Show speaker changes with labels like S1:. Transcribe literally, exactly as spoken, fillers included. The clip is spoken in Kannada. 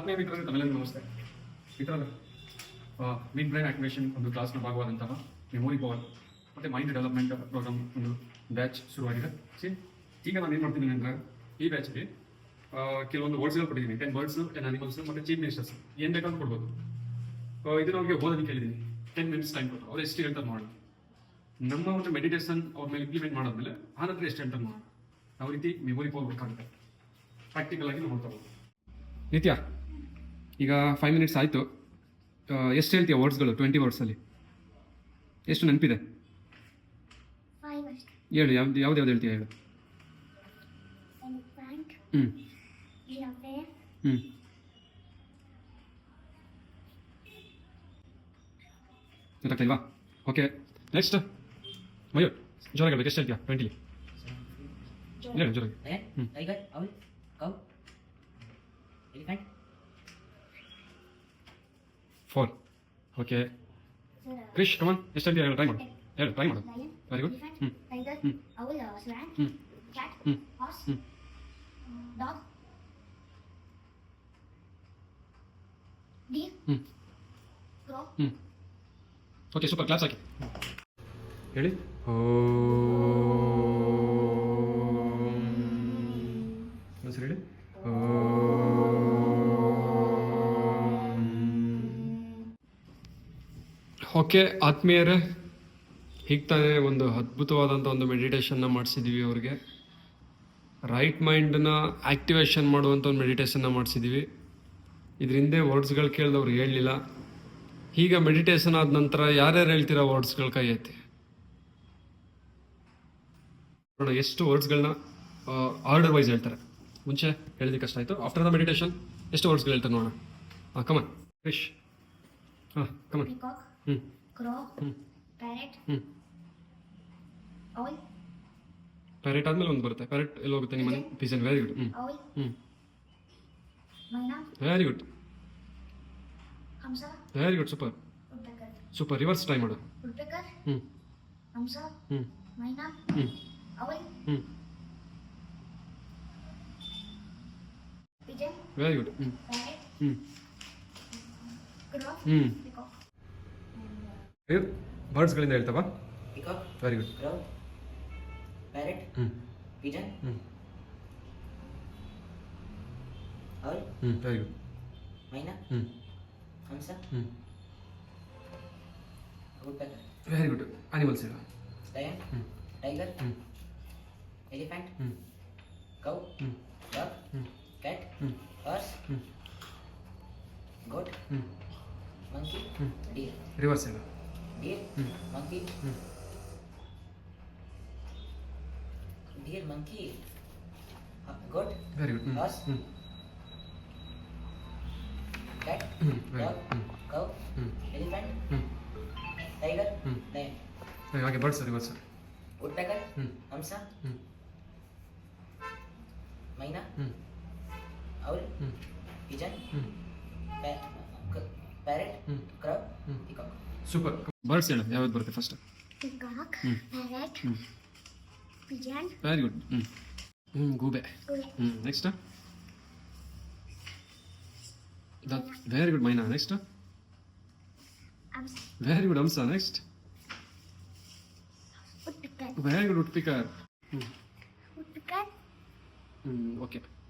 S1: ಹತ್ತನೇ ಮಿತ್ರರಿಗೆ ತಮ್ಮೆಲ್ಲರಿಗೂ ನಮಸ್ತೆ. ಮಿತ್ರರ ಮಿಡ್ ಬ್ರೈನ್ ಆಕ್ಟಿವೇಷನ್ ಒಂದು ಕ್ಲಾಸ್ನ ಭಾಗವಾದಂತಹ ಮೆಮೊರಿ ಪವರ್ ಮತ್ತು ಮೈಂಡ್ ಡೆವಲಪ್ಮೆಂಟ್ ಪ್ರೋಗ್ರಾಮ್ ಒಂದು ಬ್ಯಾಚ್ ಶುರುವಾಗಿದೆ. ಸಿ ಈಗ ನಾನು ಏನು ಮಾಡ್ತೀನಿ ಅಂದರೆ ಈ ಬ್ಯಾಚ್ಗೆ ಕೆಲವೊಂದು ವರ್ಡ್ಸ್ಗಳು ಕೊಟ್ಟಿದ್ದೀನಿ. ಟೆನ್ ವರ್ಡ್ಸ್, ಟೆನ್ ಅನಿಮಲ್ಸ್ ಮತ್ತು ಚೀಫ್ ಮಿನಿಸ್ಟರ್ಸ್ ಏನು ಬೇಕಾದ್ರೂ ಕೊಡ್ಬೋದು. ಇದನ್ನು ಅವ್ರಿಗೆ ಓದೋದಕ್ಕೆ ಕೇಳಿದ್ದೀನಿ. ಟೆನ್ ಮಿನಿಟ್ಸ್ ಟೈಮ್ ಕೊಟ್ಟು ಅವ್ರು ಎಷ್ಟು ಹೇಳ್ತಾರೆ ಮಾಡೋಣ. ನಮ್ಮ ಒಂದು ಮೆಡಿಟೇಷನ್ ಅವ್ರ ಮೇಲೆ ಇಂಪ್ಲಿಮೆಂಟ್ ಮಾಡಾದ್ಮೇಲೆ ಆ ನಂತರ ಎಷ್ಟು ಹೇಳ್ತಾರೆ ಮಾಡೋಣ. ಯಾವ ರೀತಿ ಮೆಮೊರಿ ಪವರ್ ವರ್ಕ್ ಆಗುತ್ತೆ ಪ್ರಾಕ್ಟಿಕಲ್ ಆಗಿ ನೋಡ್ತಾ ಹೋಗೋದು. ನಿತ್ಯ, ಈಗ ಫೈವ್ ಮಿನಿಟ್ಸ್ ಆಯಿತು. ಎಷ್ಟು ಹೇಳ್ತೀಯ ವರ್ಡ್ಸ್ಗಳು? ಟ್ವೆಂಟಿ ವರ್ಡ್ಸಲ್ಲಿ ಎಷ್ಟು ನೆನಪಿದೆ ಹೇಳು. ಯಾವ್ದು ಯಾವ್ದು ಯಾವ್ದು ಹೇಳ್ತೀಯ ಹೇಳು. ಹ್ಞೂ ಹ್ಞೂ ಗೊತ್ತಾಗ್ತಿಲ್ವಾ? ಓಕೆ, ನೆಕ್ಸ್ಟ್ ಮಯೂರ್, ಜೋರಾಗಿ ಹೇಳ್ಬೇಕು. ಎಷ್ಟು ಹೇಳ್ತೀಯ ಟ್ವೆಂಟಿಲಿ? ಹೇಳು ಜೋರಾಗಿ. ಹ್ಞೂ ಫೋರ್. ಓಕೆ ಕ್ರಿಶ್, ಕಮನ್, ಎಷ್ಟು ಹೇಳ್ತೀಯ ಹೇಳು. ಟ್ರೈ ಮಾಡು, ಹೇಳು, ಟ್ರೈ ಮಾಡು. Very good. ಹ್ಞೂ ಹ್ಞೂ ಹ್ಞೂ ಹ್ಞೂ ಹ್ಞೂ
S2: dog, deer,
S1: ಹ್ಞೂ
S2: crow.
S1: ಹ್ಞೂ ಓಕೆ, ಸೂಪರ್. ಕ್ಲಾಸ್ ಹಾಕಿ ಹೇಳಿ. ಸರಿ ಹೇಳಿ. ಓಕೆ ಆತ್ಮೀಯರೇ, ಹೀಗೆ ತಾನೇ ಒಂದು ಅದ್ಭುತವಾದಂಥ ಒಂದು ಮೆಡಿಟೇಷನ್ನ ಮಾಡಿಸಿದ್ದೀವಿ. ಅವ್ರಿಗೆ ರೈಟ್ ಮೈಂಡನ್ನ ಆ್ಯಕ್ಟಿವೇಶನ್ ಮಾಡುವಂಥ ಒಂದು ಮೆಡಿಟೇಷನ್ನ ಮಾಡಿಸಿದ್ದೀವಿ. ಇದ್ರ ಹಿಂದೆ ವರ್ಡ್ಸ್ಗಳು ಕೇಳಿದವ್ರು ಹೇಳಲಿಲ್ಲ. ಈಗ ಮೆಡಿಟೇಷನ್ ಆದ ನಂತರ ಯಾರ್ಯಾರು ಹೇಳ್ತೀರಾ ವರ್ಡ್ಸ್ಗಳ ಕೈ ಐತಿ ನೋಡೋಣ. ಎಷ್ಟು ವರ್ಡ್ಸ್ಗಳನ್ನ ಆರ್ಡರ್ ವೈಸ್ ಹೇಳ್ತಾರೆ. ಮುಂಚೆ ಹೇಳಿದ ಕಷ್ಟ ಆಯಿತು. ಆಫ್ಟರ್ ದ ಮೆಡಿಟೇಷನ್ ಎಷ್ಟು ವರ್ಡ್ಸ್ಗಳು ಹೇಳ್ತಾರೆ ನೋಡೋಣ. ಹಾಂ ಕಮನ್ ಫಿಶ್. ಹಾಂ ಕಮನ್.
S2: Peacock,
S1: ಹ್ಞೂ
S2: crow,
S1: ಹ್ಞೂ
S2: parrot,
S1: ಹ್ಞೂ
S2: owl,
S1: ಪ್ಯಾರೆಟ್ ಆದಮೇಲೆ ಒಂದು ಬರುತ್ತೆ. ಪ್ಯಾರೆಟ್ ಎಲ್ಲಿ ಹೋಗುತ್ತೆ ನಿಮ್ಮ ಮನೆ? ಪಿಜನ್. Very good. ಹ್ಞೂ
S2: owl,
S1: ಹ್ಞೂ
S2: myna,
S1: very good
S2: hamsa,
S1: very good. Super
S2: woodpecker,
S1: super. Reverse try ಮಾಡು.
S2: woodpecker,
S1: ಹ್ಞೂ
S2: hamsa,
S1: ಹ್ಞೂ
S2: myna,
S1: ಹ್ಞೂ
S2: owl,
S1: ಹ್ಞೂ
S2: pigeon,
S1: ವೆರಿ ಗುಡ್. ಹ್ಞೂ
S2: parrot,
S1: ಹ್ಞೂ
S2: crow,
S1: ಹ್ಞೂ
S2: peacock.
S1: ಬರ್ಡ್ಸ್ಗಳಿಂದ ಹೇಳ್ತಾವ.
S3: Peacock,
S1: very good.
S3: crow, parrot,
S1: ಹ್ಞೂ
S3: pigeon,
S1: ಹ್ಞೂ
S3: owl,
S1: ಹ್ಞೂ ವೆರಿ ಗುಡ್.
S3: myna,
S1: ಹ್ಞೂ
S3: hamsa,
S1: ಹ್ಞೂ
S3: woodpecker,
S1: ವೆರಿ ಗುಡ್. ಅನಿಮಲ್ಸ್ ಹೇಳು.
S3: lion,
S1: ಹ್ಞೂ
S3: tiger,
S1: ಹ್ಞೂ
S3: elephant,
S1: ಹ್ಞೂ
S3: cow,
S1: ಹ್ಞೂ
S3: dog,
S1: ಹ್ಞೂ
S3: cat,
S1: ಹ್ಞೂ
S3: horse,
S1: ಹ್ಞೂ
S3: goat,
S1: ಹ್ಞೂ
S3: monkey,
S1: ಹ್ಞೂ
S3: deer,
S1: ರಿವರ್ಸ್ ಹೇಳು.
S3: deer,
S1: ಹ್ಞೂ
S3: monkey,
S1: ಹ್ಞೂ
S3: deer, monkey, uh, goat,
S1: very good. ಹ್ಞೂ
S3: horse,
S1: ಹ್ಞೂ
S3: cat,
S1: ಹ್ಞೂ ವೆರಿ
S3: dog,
S1: ಗುಡ್. ಹ್ಞೂ
S3: cow,
S1: ಹ್ಞೂ
S3: elephant,
S1: ಹ್ಞೂ
S3: tiger,
S1: ಹ್ಞೂ
S3: lion,
S1: ಹಾಗೆ ಬರ್ಡ್ಸ್ ರಿವರ್ಸ್.
S3: woodpecker,
S1: ಹ್ಞೂ
S3: hamsa,
S1: ಹ್ಞೂ
S3: myna,
S1: ಹ್ಞೂ
S3: owl,
S1: ಹ್ಞೂ
S3: pigeon,
S1: ಹ್ಞೂ
S3: pa- c- parrot,
S1: ಹ್ಞೂ
S3: crow,
S1: ಹ್ಞೂ
S3: peacock.
S1: ಸೂಪರ್. ಬರ್ಡ್ಸ್ ಹೇಳು, ಯಾವ್ದು ಬರುತ್ತೆ ಫಸ್ಟ್?
S2: Peacock,
S1: ಹ್ಞೂ
S2: parrot,
S1: ಹ್ಞೂ
S2: pigeon,
S1: ವೆರಿ ಗುಡ್. ಹ್ಞೂ ಹ್ಞೂ ಗೂಬೆ.
S2: goat,
S1: ಹ್ಞೂ next the very good. Myna. Next
S2: hamsa,
S1: very good. ಹಂಸ. Next
S2: woodpecker,
S1: very good. Woodpecker. ಹ್ಞೂ
S2: woodpecker,
S1: ಹ್ಞೂ ಓಕೆ.